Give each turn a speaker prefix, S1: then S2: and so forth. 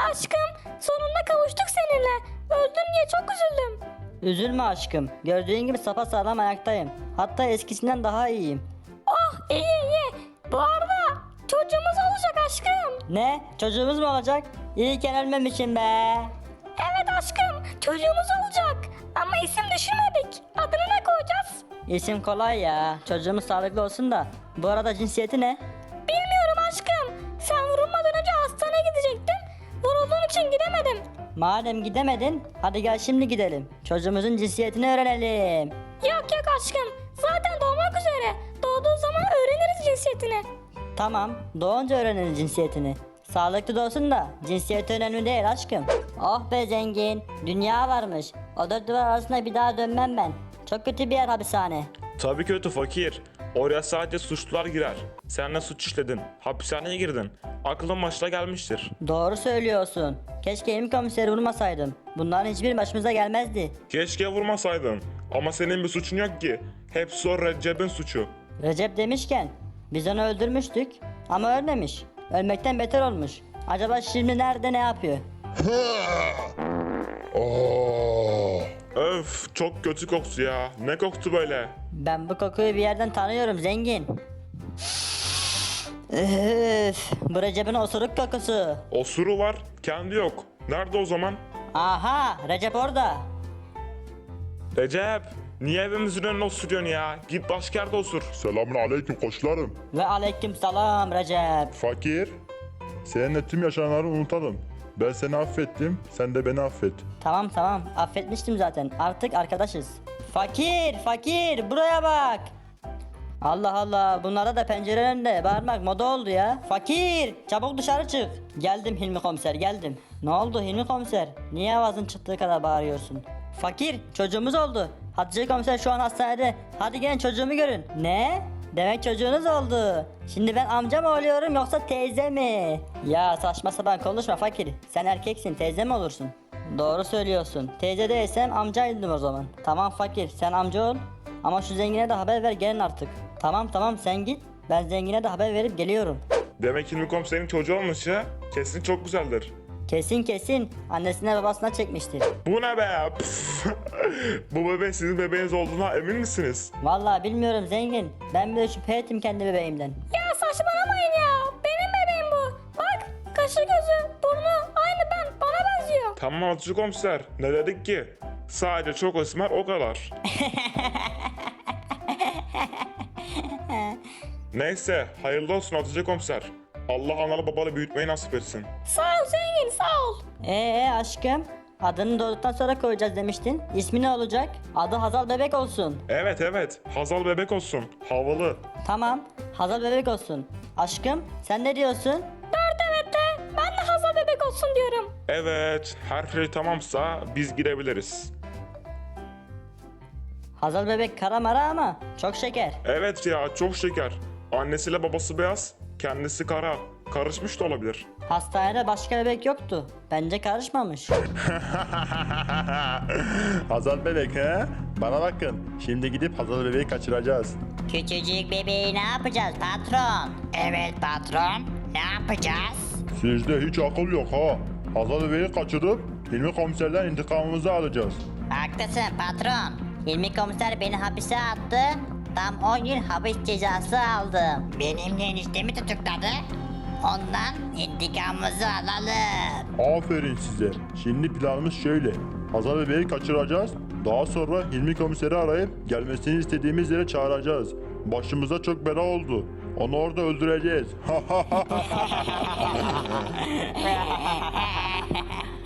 S1: aşkım, sonunda kavuştuk seninle. Öldün diye çok üzüldüm.
S2: Üzülme aşkım. Gördüğün gibi sapasağlam ayaktayım. Hatta eskisinden daha iyiyim.
S1: Oh, iyi iyi. Bu arada çocuğumuz olacak aşkım.
S2: Ne? Çocuğumuz mu olacak? İyiyken ölmemişim be.
S1: Evet aşkım, çocuğumuz olacak. Ama isim düşünmedik. Adını ne koyacağız?
S2: İsim kolay ya. Çocuğumuz sağlıklı olsun da. Bu arada cinsiyeti ne?
S1: Bilmiyorum aşkım. Sen vurulmadan önce hastaneye gidecektin. Vurulduğun için gidemedim.
S2: Madem gidemedin, hadi gel şimdi gidelim. Çocuğumuzun cinsiyetini öğrenelim.
S1: Yok yok aşkım. Zaten doğmak üzere. Doğduğu zaman öğreniriz cinsiyetini.
S2: Tamam, doğunca öğreniriz cinsiyetini. Sağlıklı doğsun da cinsiyeti önemli değil aşkım. Oh be zengin, dünya varmış. O dört duvar arasında bir daha dönmem ben. Çok kötü bir yer hapishane.
S3: Tabii kötü fakir. Oraya sadece suçlular girer. Sen de suç işledin. Hapishaneye girdin. Aklın başına gelmiştir.
S2: Doğru söylüyorsun. Keşke Hilmi komiseri vurmasaydım. Bunların hiçbir başımıza gelmezdi.
S3: Keşke vurmasaydın. Ama senin bir suçun yok ki. Hepsi o Recep'in suçu.
S2: Recep demişken, biz onu öldürmüştük ama ölmemiş. Ölmekten beter olmuş. Acaba şimdi nerede ne yapıyor?
S3: Öf, çok kötü koktu ya. Ne koktu böyle?
S2: Ben bu kokuyu bir yerden tanıyorum zengin. Üf, bu Recep'in osuruk kokusu.
S3: Osuru var, kendi yok. Nerede o zaman?
S2: Aha, Recep orada.
S3: Recep, niye evimizin önüne osuruyorsun ya? Git başka yerde osur.
S4: Selamun aleyküm koçlarım.
S2: Ve aleyküm selam Recep.
S4: Fakir, seninle tüm yaşananları unutalım. Ben seni affettim, sen de beni affet.
S2: Tamam tamam, affetmiştim zaten. Artık arkadaşız. Fakir, fakir, buraya bak. Allah Allah, bunlara da pencere önünde bağırmak moda oldu ya. Fakir, çabuk dışarı çık. Geldim Hilmi komiser, geldim. Ne oldu Hilmi komiser? Niye avazın çıktığı kadar bağırıyorsun? Fakir, çocuğumuz oldu. Hatice komiser şu an hastanede. Hadi gelin çocuğumu görün. Ne? Demek çocuğunuz oldu. Şimdi ben amca mı oluyorum yoksa teyze mi? Ya saçma sapan konuşma fakir. Sen erkeksin, teyze mi olursun? Doğru söylüyorsun. Teyze değilsem amcaydım o zaman. Tamam fakir, sen amca ol. Ama şu zengine de haber ver, gelin artık. Tamam tamam, sen git. Ben zengine de haber verip geliyorum.
S3: Demek Hilmi komiserin çocuğu olmuş ya. Kesin çok güzeldir.
S2: Kesin kesin. Annesine babasına çekmiştir.
S3: Bu ne be? Püf. Bu bebek sizin bebeğiniz olduğuna emin misiniz?
S2: Vallahi bilmiyorum zengin. Ben bile şüphe ettim kendi bebeğimden.
S1: Ya saçmalamayın ya. Benim bebeğim bu. Bak, kaşı gözü, burnu aynı ben. Bana benziyor.
S3: Tamam Hatice komiser. Ne dedik ki? Sadece çok esmer o kadar. Neyse, hayırlı olsun Hatice komiser. Allah analı babalı büyütmeyi nasip etsin.
S1: Sağ ol zengin, sağ ol.
S2: Aşkım, adını doğduktan sonra koyacağız demiştin. İsmi ne olacak? Adı Hazal Bebek olsun.
S3: Evet evet, Hazal bebek olsun. Havalı.
S2: Tamam, Hazal Bebek olsun. Aşkım, sen ne diyorsun?
S1: Dört evet de ben de Hazal bebek olsun diyorum.
S3: Evet, her şey tamamsa biz girebiliriz.
S2: Hazal Bebek kara mara ama çok şeker.
S3: Evet ya, çok şeker. Annesiyle babası beyaz, kendisi kara. Karışmış da olabilir.
S2: Hastanede başka bebek yoktu. Bence karışmamış.
S4: Hazal bebek he? Bana bakın, şimdi gidip Hazal bebeği kaçıracağız.
S5: Küçücük bebeği ne yapacağız patron? Evet patron, ne yapacağız?
S4: Sizde hiç akıl yok ha. Hazal bebeği kaçırıp Hilmi komiserden intikamımızı alacağız.
S5: Haklısın patron. Hilmi komiser beni hapise attı. Tam 10 yıl hapis cezası aldım. Benimle eniştemi tutukladı. Ondan intikamımızı alalım.
S4: Aferin size. Şimdi planımız şöyle. Hazal bebeği kaçıracağız. Daha sonra Hilmi komiseri arayıp gelmesini istediğimiz yere çağıracağız. Başımıza çok bela oldu. Onu orada öldüreceğiz.